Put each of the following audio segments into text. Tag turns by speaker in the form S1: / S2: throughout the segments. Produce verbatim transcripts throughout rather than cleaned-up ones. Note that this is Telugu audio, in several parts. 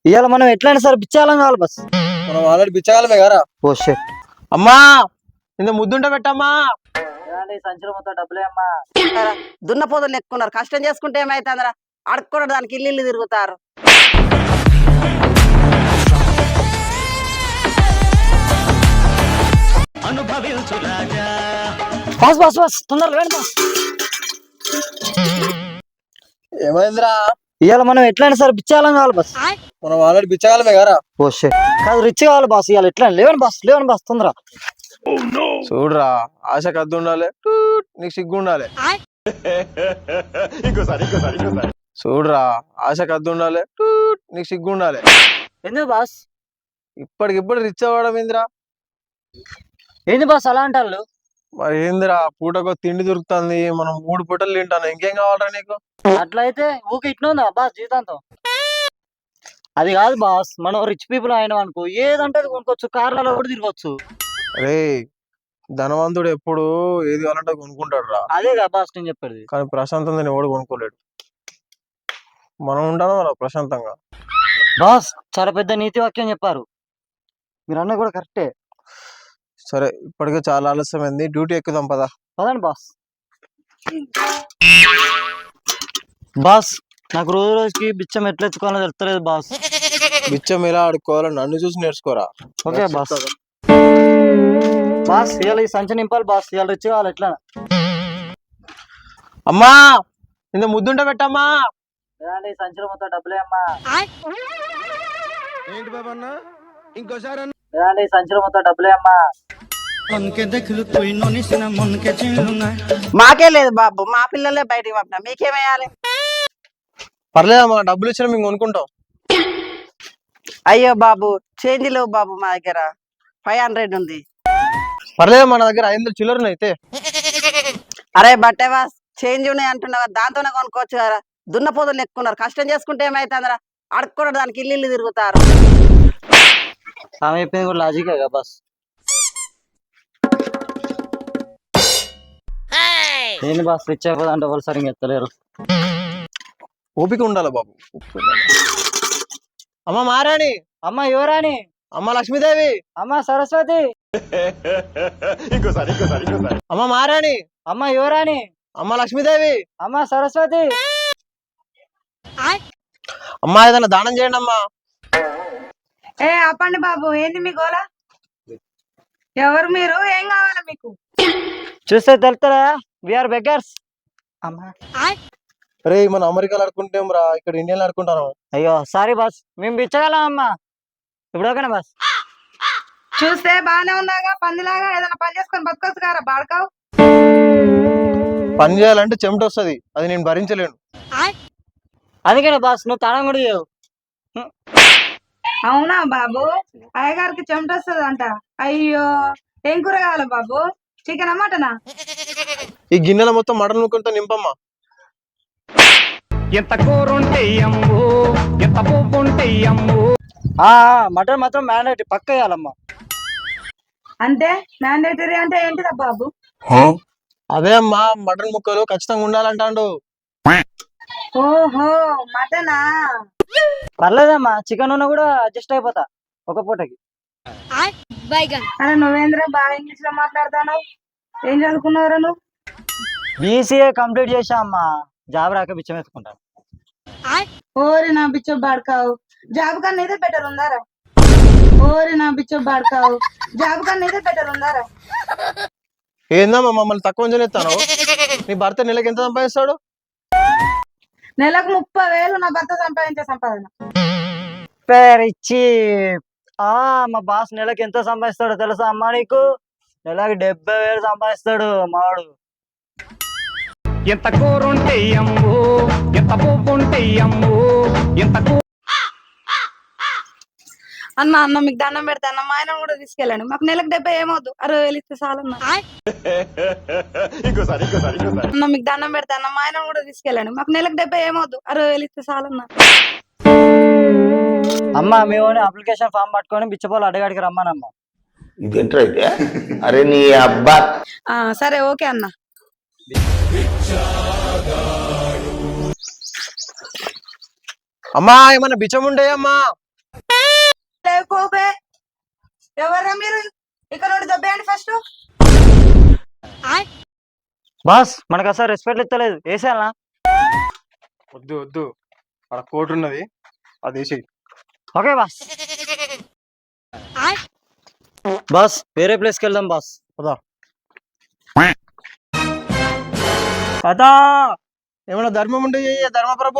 S1: ఇవాళ మనం ఎట్లయినా సరే బిచ్చాలం కావాలి బస్.
S2: మనం ఆల్రెడీ బిచ్చగాలమే కదా.
S1: ఓ షెట్.
S2: అమ్మా ఇంత ముద్దుంట పెట్టమ్మా.
S1: సంచులు మొత్తం డబ్బులే అమ్మా.
S3: దున్న పోదులు ఎక్కున్నారు, కష్టం చేసుకుంటే ఏమైతుందరా? అడుక్కున్న దానికి ఇల్లు ఇల్లు తిరుగుతారు.
S1: బస్ బస్ బస్ తొందరగా వేయండి బస్.
S2: ఏమైందిరా?
S1: ఇవాళ మనం ఎట్లయినా సరే బిచ్చాలం కావాలి బస్.
S2: మనం ఆల్రెడీ బిచ్చగాలమే కదా.
S1: ఓ షెట్. కాదు రిచ్ కావాలి బాస్. ఇవాళ ఎట్లా లేవని బస్ లేవని బస్ తొందర.
S2: చూడరా, ఆశ కద్దు ఉండాలి, టూట్ నీకు సిగ్గు ఉండాలి. చూడరా, ఆశ కద్దు ఉండాలి, టూట్ నీకు సిగ్గు ఉండాలి.
S1: ఎందుకు బాస్?
S2: ఇప్పటికిప్పుడు రిచ్ అవ్వడం ఏందిరా?
S1: ఏంది బాస్ అలా అంటారు?
S2: మరి ఏందిరా, పూటకో తిండి దొరుకుతుంది, మనం మూడు పూటలు తింటాను, ఇంకేం కావాలరా నీకు?
S1: అట్లయితే ఊకి ఇట్లుందా బాస్ జీవితాంతం? అది కాదు బాస్, మనం రిచ్ పీపుల్ అయినాం అనుకో, ఏదంటే అది కొనుక్కోవచ్చు, కార్లలో కూడా తిరగచ్చు.
S2: అరే ధనవంతుడు ఎప్పుడు ఏది కావాలంటే కొనుక్కుంటాడు రా.
S1: అదే కదా బాస్ నేను చెప్పేది.
S2: కానీ ప్రశాంతంగా ఎవడు కొనుక్కోలేడు. మనం ఉంటాను రా ప్రశాంతంగా.
S1: బాస్ చాలా పెద్ద నీతి వాక్యం చెప్పారు మీరు అన్న కూడా కరెక్టే.
S2: సరే ఇప్పటికే చాలా ఆలస్యమైంది, డ్యూటీ ఎక్కుదాం పదా.
S1: పదండి బాస్. బాస్ నాకు రోజు రోజుకి బిచ్చం ఎట్లా ఎత్తుకోవాలో తెలుస్తలేదు బాస్.
S2: బిచ్చం ఎలా ఆడుకోవాలో నన్ను చూసి నేర్చుకోరా.
S1: Okay boss. బాస్ ఇవాళ ఈ సంచి నింపాలి బాస్, ఇవాళ రిచ్ కావాలి ఎట్లా.
S2: అమ్మా ఇంత ముద్దుంట పెట్టమ్మా.
S1: ఈ సంచులు మొత్తం డబ్బులే అమ్మా.
S2: ఏంటి బాబన్న ఇంకోసారి
S1: ఈ సంచులు మొత్తం డబ్బులే అమ్మా.
S3: మాకే లేదు బాబు, మా పిల్లలే బయటికి పంపినా, మీకేమేయాలి?
S2: పర్లేదమ్మా, డబ్బులు ఇచ్చినా మేము కొనుక్కుంటాం.
S3: అయ్యో బాబు చేంజ్ లేవు బాబు, మా దగ్గర ఫైవ్ హండ్రెడ్ ఉంది.
S2: పర్లేదమ్మా, నా దగ్గర ఐదు వందలు చిల్లర అయితే.
S3: అరే బట్టేవా చేంజ్ ఉన్నాయి అంటున్నావా, దాంతోనే కొనుక్కోవచ్చు కదా. దున్న పోదులు ఎక్కున్నారు, కష్టం చేసుకుంటే ఏమైతుందరా? అడుక్కున్న దానికి ఇల్లు ఇల్లు తిరుగుతారు.
S1: ఆమె చెప్పింది కూడా లాజికే కదా బాస్. ఏంటి బాస్ రిచ్ అయిపోదంటే వాళ్ళు సరిగ్గా ఎత్తలేరు.
S2: ఓపిక ఉండాలి బాబు. అమ్మ మారాణి.
S1: అమ్మ యువరాణి.
S2: అమ్మ లక్ష్మీదేవి.
S1: అమ్మ సరస్వతి.
S2: అమ్మ మారాణి.
S1: అమ్మ యువరాణి.
S2: అమ్మ లక్ష్మీదేవి.
S1: అమ్మ సరస్వతి.
S2: అమ్మ ఏదైనా దానం చేయండి అమ్మా.
S4: ఏ ఆపండి బాబు, ఏంది మీ గోల? ఎవరు మీరు? ఏం కావాలి మీకు?
S1: చూస్తే తెలుస్తారా, విఆర్ బెగ్గర్స్. అమ్మా
S2: అరే మనం అమెరికాలో ఆడుకుంటాం రా, ఇక్కడ ఇండియాలో ఆడుకుంటాను.
S1: అయ్యో సారీ బాస్, మేము బిచ్చగలం అమ్మా. ఇప్పుడు ఓకేనా బాస్?
S4: చూస్తే బానే ఉన్నాగా, పందిలాగా ఏదైనా పని చేసుకొని బతకొచ్చు కారా బాడకావు.
S2: పని చేయాలంటే చెమట వస్తుంది, అది నేను భరించలేను.
S1: అందుకనే బాస్ నువ్వు తాళం కూడా చేయవు.
S4: అవునా బాబు, అయ్యగారికి చెమట వస్తుంది అంట. అయ్యో ఏం కూర కావాలి బాబు? చికెన్ మటనా?
S2: ఈ గిన్నెల మొత్తం మటన్ ముక్కలతో నింపమ్మా.
S5: ఎంత కూరుంటే అమ్ము, ఎంత పువ్వుంటే అమ్ము.
S1: మటన్ మాత్రం మ్యాండేటరీ పక్క వేయాలమ్మా.
S4: అంటే మ్యాండేటరీ అంటే ఏంటిదా బాబు?
S2: అదే అమ్మా, మటన్ ముక్కలు ఖచ్చితంగా ఉండాలంటాడు.
S4: ఓహో మటనా?
S1: పర్లేదమ్మా, చికెన్ ఉన్నా కూడా అడ్జస్ట్ అయిపోతా ఒక పూటకి.
S4: అరే నువ్వేంద్రా బాగా ఇంగ్లీష్ లో మాట్లాడతాను, ఏం చదువుకున్నావురా నువ్వు?
S1: బీసీఏ కంప్లీట్ చేసా అమ్మా, జాబ్ రాక బిచ్చం ఎత్తుకుంటాను.
S4: ఓరి నా బిచ్చో బాడకావు, జాబ్ కన్నా ఇదే బెటర్ ఉందారా? ఓరి నా బిచ్చో బాడకావు, జాబ్ కన్నా ఇదే బెటర్ ఉందారా?
S2: ఏందమ్మా మమ్మల్ని తక్కువ చేస్తాను? నీ భర్త నెలకి ఎంత సంపాదిస్తాడు?
S4: నెలకు ముప్పై వేలు నా భర్త సంపాదించే సంపాదన.
S1: పేరిచ్చి ఆ మా బాస్ నెలకి ఎంత సంపాదిస్తాడో తెలుసా అమ్మా నీకు? నెలకి డెబ్బై వేలు సంపాదిస్తాడు మావాడు.
S5: ఎంత కూరుంటే అమ్ము, ఎంత పువ్వుంటే అమ్ము, ఎంత కూ
S4: అన్న అన్న మీకు దండం పెడతా అన్న, మా ఆయన కూడా తీసుకెళ్ళండి, మాకు నెలకు డెబ్బై ఏమవుద్దు, అరవై వేలు ఇస్తే చాలన్న. అన్న మీకు దండం పెడతా అన్న, మా ఆయన కూడా తీసుకెళ్ళండి, మాకు నెలకు డెబ్బై ఏమవుద్దు, అరవై వేలు ఇస్తే చాలన్న.
S1: అమ్మా మేము అప్లికేషన్ ఫామ్ పట్టుకొని బిచ్చపోలు అడగాడికి రమ్మానమ్మా.
S6: ఇదేంటైతే? అరే నీ అబ్బా.
S4: సరే ఓకే అన్న.
S2: అమ్మా ఏమన్నా బిచ్చం ఉండే అమ్మా?
S4: ఏ పోపే ఎవర్రా మీరు ఇక్కడ నుండి దబ్బేయండి ఫస్ట్.
S1: బాస్ మనకు అసలు రెస్పెక్ట్ ఇస్తలేదు వేసేయాలనా?
S2: వద్దు వద్దు, అక్కడ కోట్ ఉన్నది, అది వేసి.
S1: Okay boss. బాస్ వేరే ప్లేస్కి వెళ్దాం బాస్.
S2: పదా.
S1: పదా.
S2: ఏమన్నా ధర్మం ఉంటే చెయ్యి ధర్మప్రభు.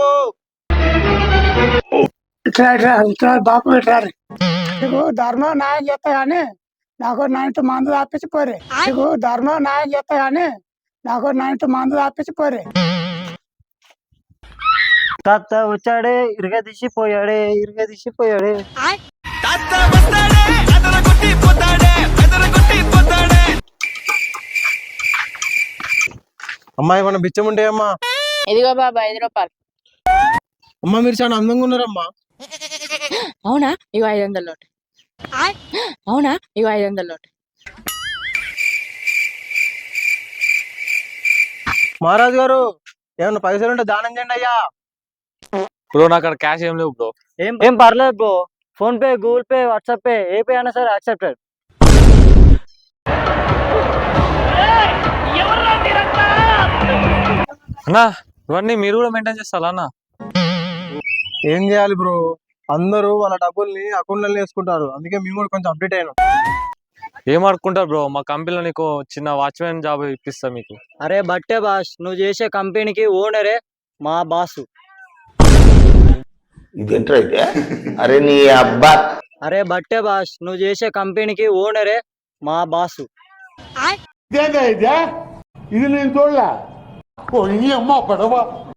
S7: ఇట్లా ఇట్లా ఇట్లా బాపు ఇట్లా నీకు ధర్మం న్యాయం చేస్తా గానీ నాకు నైన్త్ మందు తప్పించి పోరే. నీకు ధర్మం న్యాయం చేస్తా గానీ నాకు నైన్త్ మందు తప్పించి పోరే.
S1: తాత వచ్చాడే ఇరుగ తీసిపోయాడే ఇరుగ తీసిపోయాడే.
S2: అమ్మా ఏమన్నా బిచ్చం ఉంటే అమ్మా.
S8: ఇదిగో బాబా ఐదు రూపాయలు.
S2: అమ్మా మీరు చాలా అందంగా ఉన్నారమ్మా.
S8: అవునా ఇగో ఐదు వందల నోటు. అవునా ఇగో ఐదు వందల నోటు.
S2: మహారాజు గారు ఏమన్నా పైసలు ఉంటే దానం చేయండి అయ్యా.
S9: బ్రో నాకు అక్కడ క్యాష్ ఏం లేవు బ్రో.
S1: ఏం ఏం పర్లేదు bro, PhonePe Google Pay WhatsApp Pay ఏ పే అయినా సరే యాక్సెప్టెడ్.
S9: అన్నా ఇవన్నీ మీరు కూడా మెయింటైన్ చేస్తారా అన్న?
S2: ఏం చేయాలి బ్రో, అందరూ వాళ్ళ డబ్బుల్ని అకౌంట్లలో వేసుకుంటారు, అందుకే మేము కూడా కొంచెం అప్డేట్ అయినాం.
S9: ఏం ఆడుకుంటారు బ్రో, మా కంపెనీలో నీకు చిన్న వాచ్మెన్ జాబ్ ఇప్పిస్తా మీకు.
S1: అరే బట్టే బాస్, నువ్వు చేసే కంపెనీకి ఓనరే మా బాసు.
S6: ఇదేంట్రా అయితే? అరే నీ అబ్బా.
S1: అరే బట్టే బాస్, నువ్వు చేసే కంపెనీకి ఓనరే మా బాసు.
S7: ఇది నేను చూడలే. అమ్మ పడవ